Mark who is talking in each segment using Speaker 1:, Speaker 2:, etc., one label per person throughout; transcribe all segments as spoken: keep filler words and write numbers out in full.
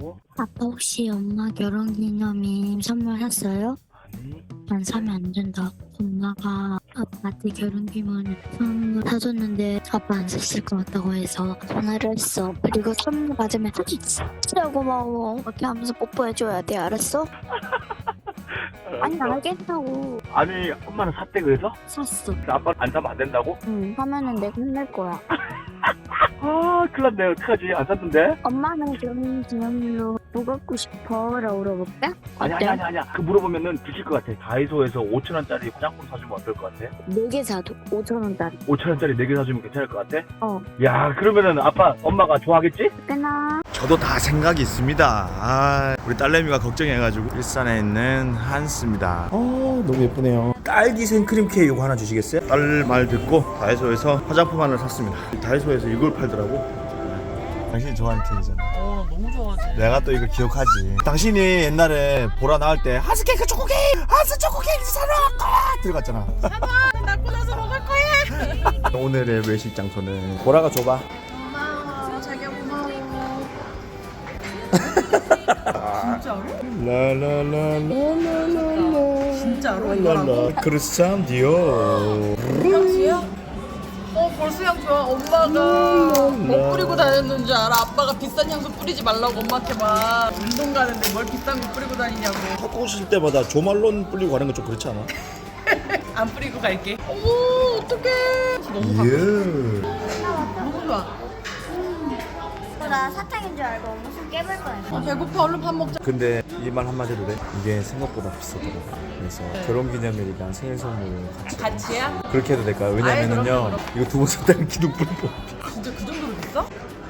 Speaker 1: 샀다고?
Speaker 2: 아빠 혹시 엄마 결혼기념일 선물했어요?
Speaker 1: 아니.
Speaker 2: 안 사면 안 된다. 엄마가 아빠한테 결혼기념일 선물 사줬는데 아빠 안 샀을 것 같다고 해서 전화를 했어. 그리고 선물 받으면 진짜 고마워 이렇게 하면서 뽀뽀해줘야 돼. 알았어? 아니 알겠다고.
Speaker 1: 아니 엄마는 샀대 그래서?
Speaker 2: 샀어.
Speaker 1: 아빠 안 사면 안 된다고?
Speaker 2: 응. 하면은 내가 혼낼 거야.
Speaker 1: 아 큰일 났네. 어떡하지? 안 샀는데?
Speaker 2: 엄마는 결혼기념일로 뭐 갖고 싶어? 라고 물어볼까?
Speaker 1: 아니 아니 아니 아니야. 그 물어보면은 드실 것 같아. 다이소에서 오천 원짜리 화장품 사주면 어떨 것 같아?
Speaker 2: 네 개 사도 오천 원짜리.
Speaker 1: 오천 원짜리 네 개 사주면 괜찮을 것 같아?
Speaker 2: 어.
Speaker 1: 야 그러면은 아빠 엄마가 좋아하겠지?
Speaker 2: 끊어.
Speaker 3: 저도 다 생각이 있습니다. 아, 우리 딸내미가 걱정해가지고 일산에 있는 한스입니다. 어, 너무 예쁘네요. 딸기 생크림 케이크 이거 하나 주시겠어요? 딸 말 듣고 다이소에서 화장품 하나 샀습니다. 다이소에서 이걸 팔더라고. 당신이 좋아하는 케이크잖아.
Speaker 4: 어 너무 좋아하지.
Speaker 3: 내가 또 이거 기억하지. 당신이 옛날에 보라 나올 때 한스 케이크 초코 케이크, 한스 초코 케이크 사러 왔다 들어갔잖아.
Speaker 4: 낳고 나서 먹을 거야.
Speaker 3: 오늘의 외식 장소는 보라가 줘봐.
Speaker 4: 고마워. 자기야 고마워. 진짜로?
Speaker 3: 라라라라라라라.
Speaker 4: 진짜로 이거라고?
Speaker 3: 크리스찬 디오.
Speaker 4: 향수야? 어 벌써 향 좋아. 엄마가 뭐 뿌리고 다녔는 줄 알아. 아빠가 비싼 향수 뿌리지 말라고 엄마한테 막 운동 가는데 뭘 비싼 거 뿌리고 다니냐고.
Speaker 3: 탁구 칠 때마다 조말론 뿌리고 가는 거 좀 그렇지 않아?
Speaker 4: 안 뿌리고 갈게. 어머 어떡해. 너무 가.
Speaker 3: 예.
Speaker 4: 너무 좋아.
Speaker 5: 나 사탕인 줄 알고 엄마 손 깨물 뻔했어.
Speaker 4: 어, 배고파. 얼른 밥 먹자.
Speaker 3: 근데 이 말 한마디 해도 돼? 이게 생각보다 비싸더라. 그래서 결혼기념일이랑 생일 선물을 같이.
Speaker 4: 같이야?
Speaker 3: 그렇게 해도 될까요?
Speaker 4: 아이,
Speaker 3: 왜냐면은요,
Speaker 4: 그럼,
Speaker 3: 이거 두 번 샀다는 기둥 뿌리고.
Speaker 4: 진짜 그 정도로 비싸?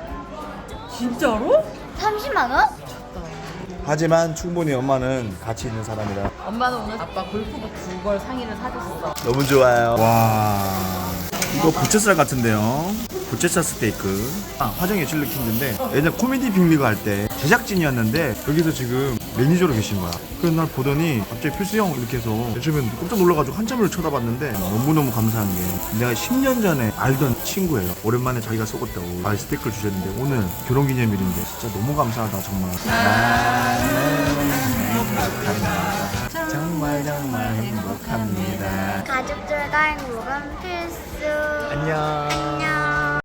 Speaker 4: 진짜로?
Speaker 5: 삼십만 원?
Speaker 3: 하지만 충분히 엄마는 가치 있는 사람이라.
Speaker 4: 엄마는 오늘 아빠 골프복 두 벌 상의를 사줬어.
Speaker 3: 너무 좋아요. 와, 이거 부채살 같은데요. 부채살 스테이크. 아, 화정의 칠리킨드인데 예전 코미디 빅리그 할 때 제작진이었는데 여기서 지금 매니저로 계신 거야. 그래서 날 보더니 갑자기 필수 형 이렇게 해서 요즘엔 깜짝 놀라가지고 한참을 쳐다봤는데 너무너무 감사한 게 내가 십 년 전에 알던 친구예요. 오랜만에 자기가 썩었다고 아, 스테이크를 주셨는데 오늘 결혼기념일인데 진짜 너무 감사하다 정말. 행복합니다. 정말 정말 행복합니다.
Speaker 5: 가족들과 행복은 필수.
Speaker 3: 안녕.
Speaker 5: 안녕.